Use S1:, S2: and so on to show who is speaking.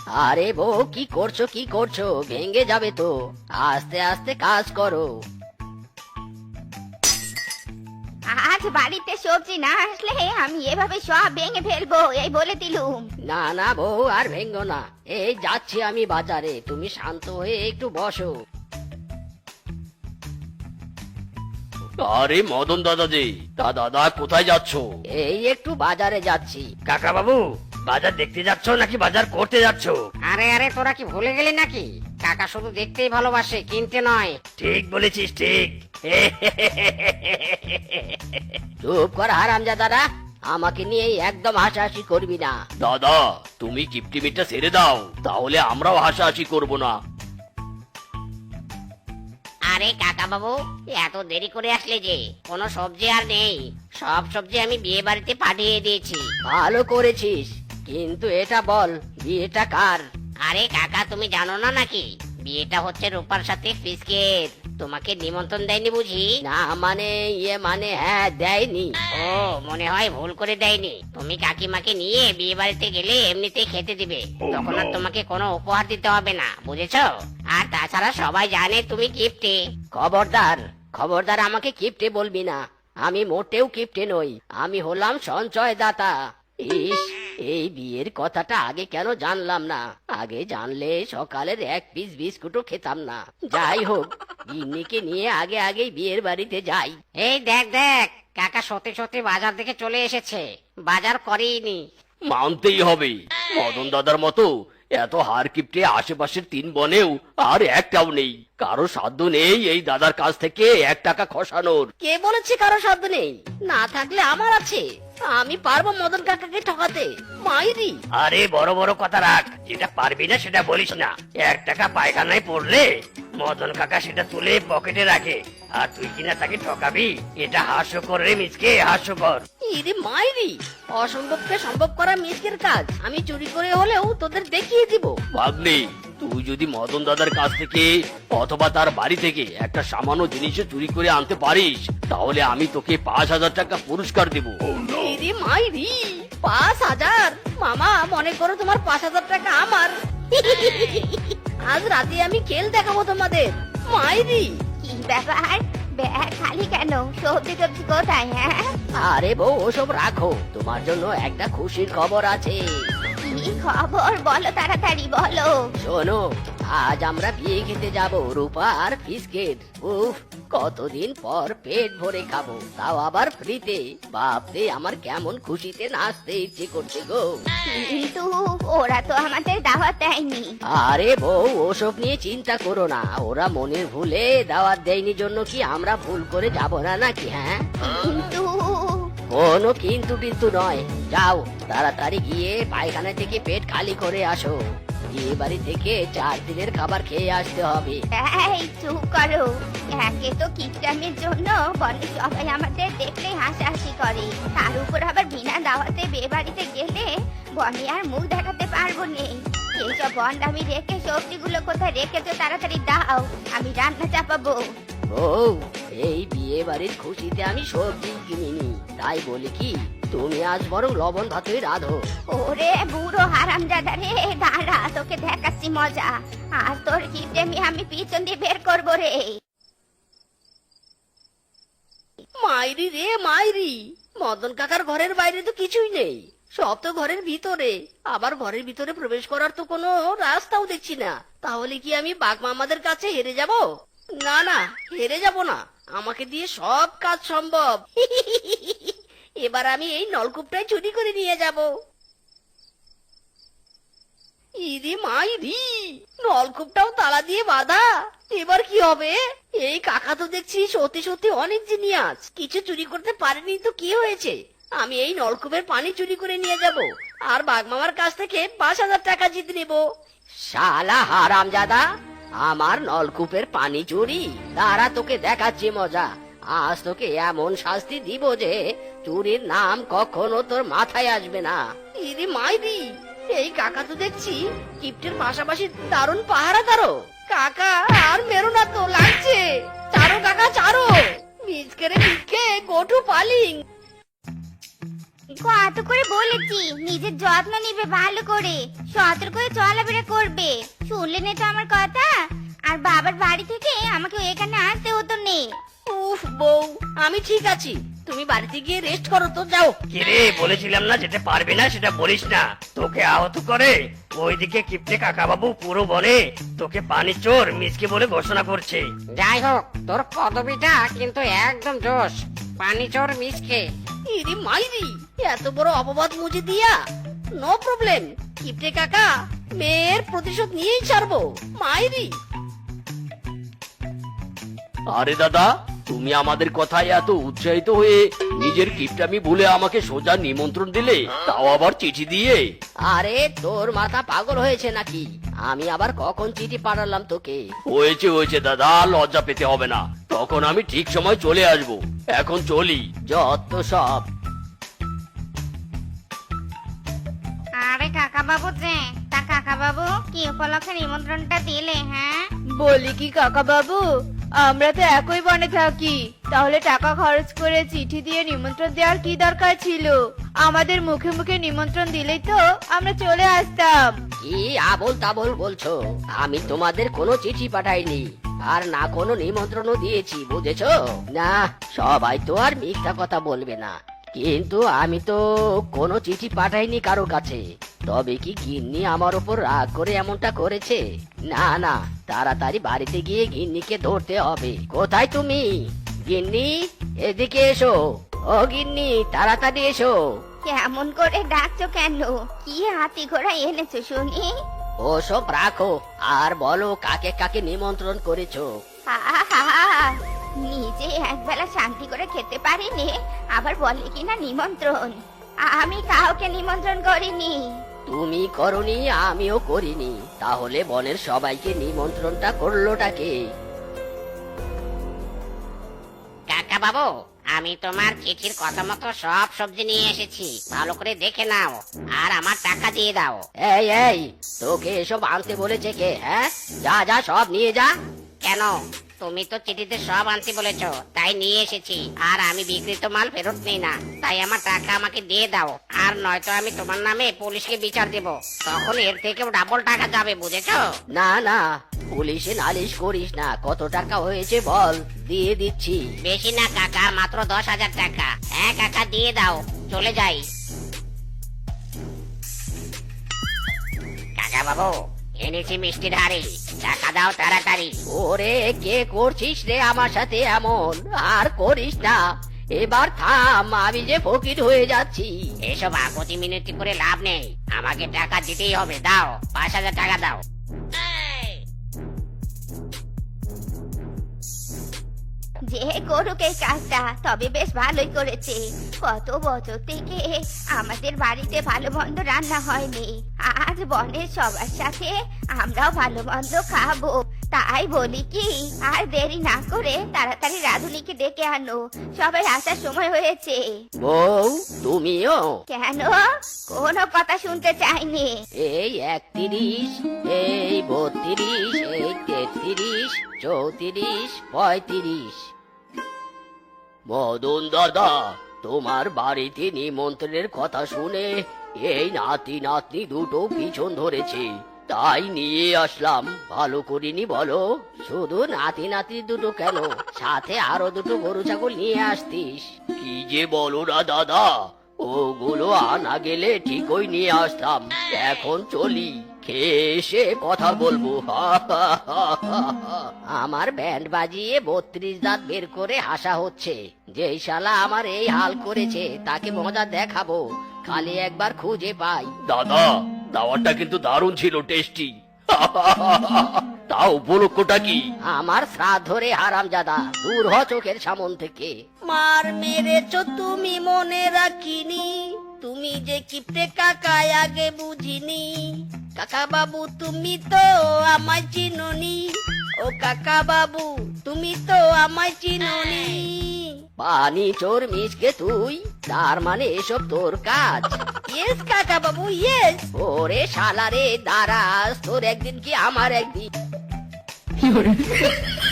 S1: আরে বউ, কি করছো কি করছো? ভেঙে যাবে তো, আস্তে আস্তে কাজ করো।
S2: আজ বাড়িতে সবজি না আসলে আমি এভাবে সব ভেঙে ফেলবো, এই বলে দিলুম।
S1: না না বউ, আর ভেঙ্গো না। এই যাচ্ছি আমি বাজারে, তুমি শান্ত হয়ে একটু বসো।
S3: আরে মদন দাদা যে, তা দাদা কোথায় যাচ্ছ?
S1: এই একটু বাজারে যাচ্ছি।
S3: কাকা বাবু, বাজার দেখতে যাচ্ছ নাকি বাজার করতে যাচ্ছ?
S1: আরে আরে, তোরা কি ভুলে গেলি নাকি? কাকা শুধু দেখতেই ভালোবাসে, কিনতে নয়।
S3: ঠিক বলেছিস, ঠিক।
S1: চুপ কর হারামজাদারা, আমাকে নিয়ে একদম হাসাহাসি করবি না।
S3: দাদা, তুমি কিপটিমিটা ছেড়ে দাও, তাহলে আমরাও হাসাহাসি করব না।
S1: আরে কাকা বাবু, এত দেরি করে আসলে যে? কোনো সবজি আর নেই, সব সবজি আমি বিয়ে বাড়িতে পাঠিয়ে দিয়েছি। ভালো করেছিস, কিন্তু এটা বল, বিয়েটা কার? আরে কাকা, তুমি জানো না নাকি বিয়েটা হচ্ছে রূপার সাথে ফিসকের? তোমাকে নিমন্ত্রণ দেয়নি বুঝি? না মানে মানে হ্যাঁ, দেয়নি। ও, মনে হয় ভুল করে দেয়নি। তুমি কাকিমাকে নিয়ে বিয়ে বাড়িতে গেলে এমনিতেই খেতে দিবে, তখন আর তোমাকে কোনো উপহার দিতে হবে না, বুঝেছো? আর তাছাড়া সবাই জানে তুমি কিপ্টে। খবরদার খবরদার, আমাকে কিপ্টে বলবি না। আমি মোটেও কিপ্টে নই, আমি হলাম সঞ্চয়দাতা। ইস, এই বিয়ের কথাটা আগে কেন জানলাম না? আগে জানলে সকালের এক পিস বিস্কুটও খেতাম না। যাই হোক, গিন্নিকে নিয়ে আগে আগেই বিয়ের বাড়িতে যাই। এই দেখ দেখ, কাকা সত্যি সত্যি বাজার থেকে চলে এসেছে, বাজার করেইনি।
S3: মানতেই হবে, মদন দাদার মতো এত হার কিপটে আশেপাশের 3 বনেও আর একটাও নেই। কারো সাধ্য নেই এই দাদার কাছ থেকে 1 টাকা খসানোর।
S1: কে বলেছে কারো সাধ্য নেই? না থাকলে আমার আছে, আমি পারবো মদন কাকাকে ঠকাতে। মাইরি!
S3: আরে বড় বড় কথা রাখ, যেটা পারবি না সেটা বলিস না। 1 টাকা পায়খানায় পড়লে মদন কাকা সেটা তুলে পকেটে রাখে, আর তুই কিনা তাকে ঠকাবি? এটা হাস্যকর রে মিসকে, হাস্যকর।
S1: ইরে মাইরি! অসম্ভবকে সম্ভব করা মিসকের কাজ, আমি চুরি করে হলেও তোদের দেখিয়ে দিব।
S3: ভাগ্নে, তুই যদি মদন দাদার কাছ থেকে অথবা তার বাড়ি থেকে একটা সামান্য জিনিসও চুরি করে আনতে পারিস, তাহলে আমি তোকে 5,000 টাকা পুরস্কার দেব।
S1: ইরে মাইরি! 5,000? মামা, মনে করো তোমার 5,000 টাকা আমার। আজ রাতে আমি খেল দেখাবো তোমাদের। মাইরি!
S2: কি ব্যাপার, ব্যাগ খালি কেন? সবজি টবজি কোথায়? হ্যাঁ,
S1: আরে বউ, ওসব রাখো, তোমার জন্য একটা খুশির খবর আছে।
S2: কি খবর বলো, তাড়াতাড়ি বলো।
S1: শোনো, আজ আমরা বিয়ে খেতে যাব, রূপা আর ফিসকেট। উফ, কতদিন পর পেট ভরে খাবো, তাও আবার ফ্রিতে। বাপরে, আমার কেমন খুশিতে নাচতে ইচ্ছে করছে গো।
S2: কিন্তু ওরা তো আমাদের দাওয়াত দেয়নি।
S1: আরে বউ, ওসব নিয়ে চিন্তা করো না, ওরা মনের ভুলে দাওয়াত দেয়নি জন্য কি আমরা ভুল করে যাব না নাকি? হ্যাঁ,
S2: কিন্তু
S1: কোনো কিন্তু কিন্তু নয়। যাও, তাড়াতাড়ি গিয়ে পায়খানা থেকে পেট খালি করে আসো, বিয়ে বাড়ি থেকে 4 দিনের খাবার খেয়ে আসতে হবে।
S2: এই চুপ করো। একে তো কিপটামের জন্য বলে সবাই আমাদের দেখলে হাসাহাসি করে, তার উপর আবার বিনা দাওয়াতে বিয়ে বাড়িতে গেলে বনে আর মুখ দেখাতে পারবো নেই। এইসব বন্ড আমি রেখে সবজিগুলো কোথায় রেখেছো তাড়াতাড়ি দাও, আমি রান্না চাপাবো।
S1: বউ, এই বিয়ে বাড়ির খুশিতে আমি সবজি কিনিনি, তাই বলি কি, তুমি আজ বরং লবণ ভাতই রাঁধো।
S2: ওরে বুড়ো হারামজাদা রে, দাঁড়া, তোকে দেখাচ্ছি মজা। আজ তোর কিপটেমি আমি পিছন দিয়ে বের করবো রে।
S1: মাইরি রে মাইরি! মদন কাকার ঘরের বাইরে তো কিছুই নেই, সব তো ঘরের ভিতরে। আবার ঘরের ভিতরে প্রবেশ করার তো কোনো রাস্তাও দেখছি না। তাহলে কি আমি বাঘ মামাদের কাছে হেরে যাব? না না, হেরে যাব না, আমাকে দিয়ে সব কাজ সম্ভব। এবার আমি এই নলকূপটাই চুরি করে নিয়ে যাব। ইরে মাইরি! নলকূপটাও তালা দিয়ে বাঁধা, এবার কি হবে? এই কাকা তো দেখছি সত্যি সত্যি অনেক জিনিয়াস, কিছু চুরি করতে পারেনি তো কি হয়েছে? আমি এই নলকূপের পানি চুরি করে নিয়ে যাব, আর বাঘমামার কাছ থেকে 5,000 টাকা জিতে নেব। শালা হারামজাদা, আমার নলকূপের পানি চুরি? তারা তোকে দেখাচ্ছি মজা। আজ তোকে এমন শাস্তি দিব যে চুরির নাম কখনো তোর মাথায় আসবে না। ইরে মাইরি! এই কাকা তো দেখছি কিপ্টের পাশাপাশি দারুণ পাহারাদারও। কাকা, আর মেরো না তো, লাগছে। চারো কাকা, চারো। মিসকে রে মিসকে, গো টু পালিং।
S2: কত করে বলেছি নিজের যত্ন নিবে ভালো করে, সতর্ক হয়ে চলাফেরা করবে। শুনলেন তো আমার কথা? আর বাবার বাড়ি থেকে আমাকে এখানে আসতে হতো নে।
S1: উফ বউ, আমি ঠিক আছি, তুমি বাড়িতে গিয়ে রেস্ট করো তো, যাও।
S3: কিরে বলেছিলাম না যেতে পারবি না সেটা বলিস না, তোকে আহত করে ওইদিকে কিপ্টে কাকা বাবু পুরো বনে তোকে পানি চোর মিসকে বলে ঘোষণা করছে।
S1: যাই হোক, তোর পদবিটা কিন্তু একদম জোশ, পানি চোর মিসকে। ইরি মাইরি, এত বড় অপবাদ মুজে দিয়া। নো প্রবলেম, কিপটে কাকা মেয়ের প্রতিশোধ নিয়েই ছাড়বো, মাইরি।
S4: আরে দাদা, তুমি আমাদের কথায় এত উৎসাহিত হয়ে নিজের কিপটামি ভুলে আমাকে সোজা নিমন্ত্রণ দিলে, তাও আবার চিঠি দিয়ে।
S1: আরে তোর মাথা পাগল হয়েছে নাকি? আমি আবার কখন চিঠি পাঠালাম তোকে?
S4: হয়েছে দাদা, লজ্জা পেতে হবে না, তখন আমি ঠিক সময় চলে আসব। এখন চলি।
S1: যত সব।
S2: আরে কাকা বাবু যে, তা কাকা বাবু কি উপলক্ষে নিমন্ত্রণটা দিলে? হ্যাঁ
S5: বলি কি কাকা বাবু, আমরা তো একই বনে থাকি, তাহলে টাকা খরচ করে চিঠি দিয়ে নিমন্ত্রণ দেওয়ার কি দরকার ছিল? আমাদের মুখে মুখে নিমন্ত্রণ দিলেই তো আমরা চলে আসতাম।
S1: কি আবোল তাবোল বলছো? আমি তোমাদের কোনো চিঠি পাঠাইনি, আর না কোনো নিমন্ত্রণও দিয়েছি, বুঝেছো? না, সবাই তো আর মিথ্যা কথা বলবে না, কিন্তু আমি তো কোনো চিঠি পাঠাইনি কারো কাছে। তবে কি গিন্নি আমার উপর রাগ করে এমনটা করেছে? না না, তাড়াতাড়ি বাড়িতে গিয়ে গিন্নিকে ধরতে হবে। কোথায় তুমি গিন্নি? এদিকে এসো। ও গিন্নি, তাড়াতাড়ি এসো।
S2: কেমন করে ডাকছো কেন? কি হাতি ঘোড়া এনেছো শুনি?
S1: ওসব রাখো, আর বলো কাকে কাকে নিমন্ত্রণ করেছো?
S2: আহা, নিজে একবেলা শান্তি করে খেতে পারিনি, আবার বলে কিনা নিমন্ত্রণ। আমি কাউকে নিমন্ত্রণ করিনি।
S1: তুমি করনি, আমিও করিনি, তাহলে বনের সবাইকে নিমন্ত্রণটা করলোটাকে? কাকা বাবু, আমি তোমার চিঠির কথা মতো সব সবজি নিয়ে এসেছি, ভালো করে দেখে নাও, আর আমার টাকা দিয়ে দাও। এই এই, তোকে এসব আনতে বলেছে কে? হ্যাঁ, যা যা সব নিয়ে যা। কেন? তুমি তো চিঠিতে সব আনতে বলেছো, তাই নিয়ে এসেছি। আর আমি বিক্রিত মাল ফেরত নেই না, তাই আমার টাকা আমাকে দিয়ে দাও, আর নয়তো আমি তোমার নামে পুলিশকে বিচার দেব, তখন এর থেকেও ডাবল টাকা যাবে, বুঝেছো? না না, পুলিশে নালিশ করিস না, কত টাকা হয়েছে বল, দিয়ে দিচ্ছি। বেশি না কাকা, মাত্র 10,000 টাকা। হ্যাঁ কাকা, দিয়ে দাও, চলে যাই। কাকা বাবু, এনেছি মিষ্টির হাড়ি, টাকা দাও তাড়াতাড়ি। ওরে, কে করছিস রে আমার সাথে এমন? আর করিস না, এবার থাম, আমি যে ফকির হয়ে যাচ্ছি। এসব আপত্তি মিনতি করে লাভ নেই, আমাকে টাকা দিতেই হবে। দাও, 5,000 টাকা দাও।
S2: যে করুক এই কাজটা, তবে বেশ ভালোই করেছে। কত বছর থেকে আমাদের বাড়িতে ভালো মন্দ রান্না হয়নি, আজ বনের সবার সাথে আমরাও ভালো মন্দ খাবো। তাই বলি কি, আর দেরি না করে তাড়াতাড়ি রাধুনিকে ডেকে আনো, সবাই আসার সময় হয়েছে।
S1: বউ, তুমিও?
S2: কেন? কোনো কথা শুনতে চাইনি।
S1: এই 31, এই 32, এই 33, 34, 35।
S4: মদন দাদা, তোমার বাড়িতে নিমন্ত্রণের কথা শুনে এই নাতি নাতনি দুটো পিছন ধরেছে, তাই নিয়ে আসলাম। ভালো করিনি বলো?
S1: শুধু নাতি নাতি দুটো কেন, সাথে আরো দুটো গরু ছাগল নিয়ে আসতিস।
S4: কি যে বলো না দাদা, ওগুলো আনা গেলে ঠিকই নিয়ে আসতাম। এখন চলি, খেয়ে এসে কথা বলবো।
S1: আমার ব্যান্ড বাজিয়ে 32 দাঁত বের করে হাসা হচ্ছে। যেই শালা আমার এই হাল করেছে তাকে মজা দেখাবো, খালি একবার খুঁজে পাই।
S4: দাদা, দাওয়াটা কিন্তু দারুণ ছিল, টেস্টি। তা উপলক্ষটা কি?
S1: আমার শ্রাদ্ধ রে হারামজাদা, দূর হ চোখের সামন থেকে। মার মেরেছ তুমি মনে রাখিনি, তুমি যে কিপটে কাকা আগে বুঝিনি। কাকা বাবু, তুমি তো আমায় চিনুনি, ও কাকা বাবু, তুমি তো আমায় চিনুনি। পানি চোর মিসকে তুই, তার মানে এসব তোর কাজ? ইয়েস কাকা বাবু, ইয়েস। ওরে শালা রে, দাঁড়াস, তোর একদিন কি আমার একদিন।